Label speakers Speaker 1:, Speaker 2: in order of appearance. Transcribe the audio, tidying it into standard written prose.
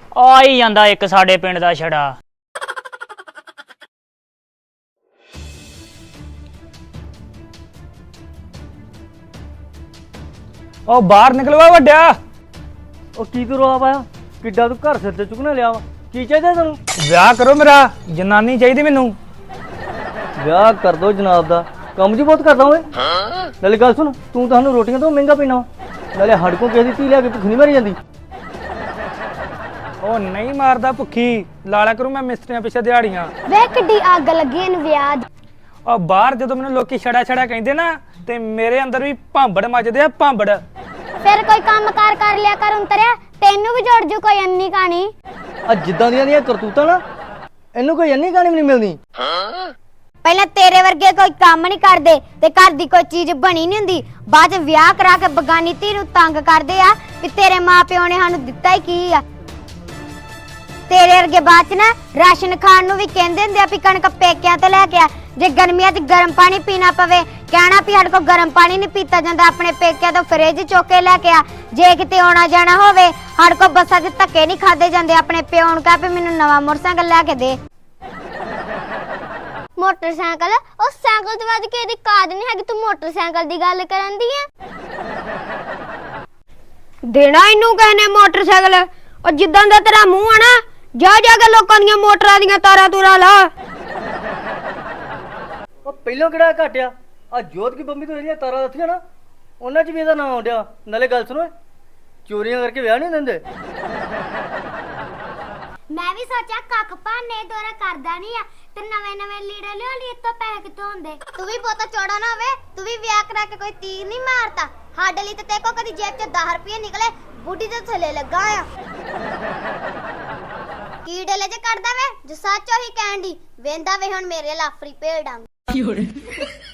Speaker 1: ਆ ਹੀ ਜਾਂਦਾ ਇੱਕ ਸਾਡੇ ਪਿੰਡ ਦਾ ਛੜਾ।
Speaker 2: ਉਹ ਬਾਹਰ ਨਿਕਲਵਾ ਵੱਡਿਆ।
Speaker 3: ਉਹ ਕੀ ਤੂੰ ਰੌਲਾ ਪਾਇਆ? ਕਿੱਡਾ ਤੂੰ ਘਰ ਸਿਰ ਤੇ ਚੁੱਕਣਾ ਲਿਆ ਵਾ? ਕੀ ਚਾਹੀਦਾ ਤੈਨੂੰ?
Speaker 2: ਵਿਆਹ ਕਰੋ ਮੇਰਾ, ਜਨਾਨੀ ਚਾਹੀਦੀ ਮੈਨੂੰ।
Speaker 3: ਵਿਆਹ ਕਰ ਦੋ ਜਨਾਬ ਦਾ, ਕੰਮ ਜੀ ਬਹੁਤ ਕਰਦਾ ਓਏ। ਨਾਲੇ ਗੱਲ ਸੁਣ, ਤੂੰ ਤੁਹਾਨੂੰ ਰੋਟੀਆਂ ਤੋਂ ਮਹਿੰਗਾ ਪੀਣਾ, ਨਾਲੇ ਹੜ ਕੋ ਕਿਸੇ ਦੀ ਧੀ ਲਿਆ ਕੇ ਭੁੱਖ ਨਹੀਂ ਮਰੀ ਜਾਂਦੀ।
Speaker 2: ਉਹ ਨਹੀਂ ਮਾਰਦਾ ਭੁੱਖੀ, ਲਾਲਾ ਕਰੂ ਮੈਂ ਮਿਸਤਰੀਆਂ ਪਿੱਛੇ ਦਿਹਾੜੀਆਂ।
Speaker 4: ਵੇ ਕਿੱਡੀ ਅੱਗ ਲੱਗੀ ਇਹਨੂੰ ਵਿਆਹ ਦੀ।
Speaker 2: ਉਹ ਬਾਹਰ ਜਦੋਂ ਮੈਨੂੰ ਲੋਕੀ ਛੜਾ ਛੜਾ ਕਹਿੰਦੇ ਨਾ ਤੇ ਮੇਰੇ ਅੰਦਰ ਵੀ ਭਾਂਬੜ ਮੱਚਦੇ ਆ, ਭਾਂਬੜ।
Speaker 4: ਫਿਰ ਕੋਈ ਕੰਮ ਕਰ ਲਿਆ ਕਰ ਉਂਤਰਿਆ, ਤੈਨੂੰ ਵੀ ਜੋੜ ਜੂ ਕੋਈ ਅੰਨੀ ਕਹਾਣੀ।
Speaker 3: ਆ ਜਿੱਦਾਂ ਦੀਆਂ ਕਰਤੂਤਾਂ ਨਾ, ਇਹਨੂੰ ਕੋਈ ਅੰਨੀ ਕਹਾਣੀ ਵੀ ਨਹੀਂ ਮਿਲਦੀ।
Speaker 4: ਪਹਿਲਾਂ ਤੇਰੇ ਵਰਗੇ ਕੋਈ ਕੰਮ ਨਹੀਂ ਕਰਦੇ ਤੇ ਘਰ ਦੀ ਕੋਈ ਚੀਜ਼ ਬਣੀ ਨਹੀਂ ਹੁੰਦੀ, ਬਾਅਦ ਚ ਵਿਆਹ ਕਰਾ ਕੇ ਬਗਾਨੀ ਧੀ ਨੂੰ ਤੰਗ ਕਰਦੇ ਆ ਵੀ ਤੇਰੇ ਮਾਪਿਓ ਨੇ ਸਾਨੂੰ ਦਿੱਤਾ ਹੀ ਕੀ ਆ। ਤੇਰੇ ਵਰਗੇ ਬਾਅਦ ਚ ਨਾ ਰਾਸ਼ਨ ਖਾਣ ਨੂੰ ਵੀ ਕਹਿੰਦੇ ਹੁੰਦੇ ਆ ਵੀ ਕਣਕ ਪੇਕਿਆਂ ਤੋਂ ਲੈ ਕੇ ਆ। ਜੇ ਗਰਮੀਆਂ 'ਚ ਗਰਮ ਪਾਣੀ ਪੀਣਾ ਪਵੇ, ਕਹਿਣਾ ਵੀ ਸਾਡੇ ਕੋਲ ਗਰਮ ਪਾਣੀ ਨਹੀਂ ਪੀਤਾ ਜਾਂਦਾ, ਆਪਣੇ ਪੇਕਿਆਂ ਤੋਂ ਫਰਿੱਜ ਚੁੱਕ ਕੇ ਲੈ ਕੇ ਆ। ਜੇ ਕਿਤੇ ਆਉਣਾ ਜਾਣਾ ਹੋਵੇ, ਸਾਡੇ ਕੋਲ ਬੱਸਾਂ 'ਚ ਧੱਕੇ ਨਹੀਂ ਖਾਦੇ ਜਾਂਦੇ, ਆਪਣੇ ਪਿਓ ਨੂੰ ਕਹਿ ਵੀ ਮੈਨੂੰ ਨਵਾਂ ਮੋਟਰਸਾਈਕਲ ਲੈ ਕੇ ਦੇ। ਮੋਟਰਸਾਈਕਲ? ਉਹ ਸਾਈਕਲ ਤੋਂ ਵੱਧ ਕੇ ਇਹਦੀ ਕਾਦ ਨਹੀਂ ਹੈਗੀ, ਤੂੰ ਮੋਟਰਸਾਈਕਲ ਦੀ ਗੱਲ ਕਰਨ ਦੀ ਆ। ਦੇਣਾ ਇਹਨੂੰ ਕਹਿੰਦੇ ਮੋਟਰਸਾਈਕਲ? ਉਹ ਜਿੱਦਾਂ ਦਾ ਤੇਰਾ ਮੂੰਹ ਆ ਨਾ, ਜਾ ਕੇ ਲੋਕਾਂ ਦੀਆਂ ਮੋਟਰਾਂ ਦੀਆਂ ਤਾਰਾਂ ਤੂਰਾ ਲਾ।
Speaker 3: ਉਹ ਪਹਿਲਾਂ ਕਿਹੜਾ ਘਟਿਆ? ਆ ਜੋਤ ਕੀ ਬੰਬੀ ਤੋਂ ਜਿਹੜੀਆਂ ਤਾਰਾਂ ਲੱਥੀਆਂ ਨਾ, ਉਹਨਾਂ 'ਚ ਵੀ ਇਹਦਾ ਨਾਮ ਆਉਂਦਿਆ। ਨਾਲੇ ਗੱਲ ਸੁਣੋ, ਚੋਰੀਆਂ ਕਰਕੇ ਵਿਆਹ ਨਹੀਂ ਦਿੰਦੇ।
Speaker 4: ਮੈਂ ਵੀ ਸੋਚਿਆ ਕੱਖ ਭਾਨੇ ਦੋਰਾ ਕਰਦਾ ਨਹੀਂ ਆ ਤੇ ਨਵੇਂ ਲੀੜੇ ਲਿਓ ਲਈ ਤੋਂ ਪੈਸੇ ਕਿੱਥੋਂ ਹੁੰਦੇ। ਤੂੰ ਵੀ ਬਹੁਤਾ ਚੌੜਾ ਨਾ ਹੋਵੇ, ਤੂੰ ਵੀ ਵਿਆਹ ਕਰਾ ਕੇ ਕੋਈ ਤੀਰ ਨਹੀਂ ਮਾਰਦਾ। ਸਾਡੇ ਲਈ ਤੇ ਤੇਕੋ ਕਦੀ ਜੇਬ 'ਚ 10 ਰੁਪਏ ਨਿਕਲੇ, ਬੁੱਢੀ ਦੇ ਥੱਲੇ ਲੱਗਾ ਆ। ਕੀ ਡਲੇ ਜੇ ਕੱਢਦਾ ਵੇ, ਜੋ ਸੱਚ ਉਹੀ ਕਹਿਣ ਦੀ। ਵੇਂਦਾ ਵੇ ਹੁਣ ਮੇਰੇ ਲਾਫਰੀ ਭੇਡਾਂ।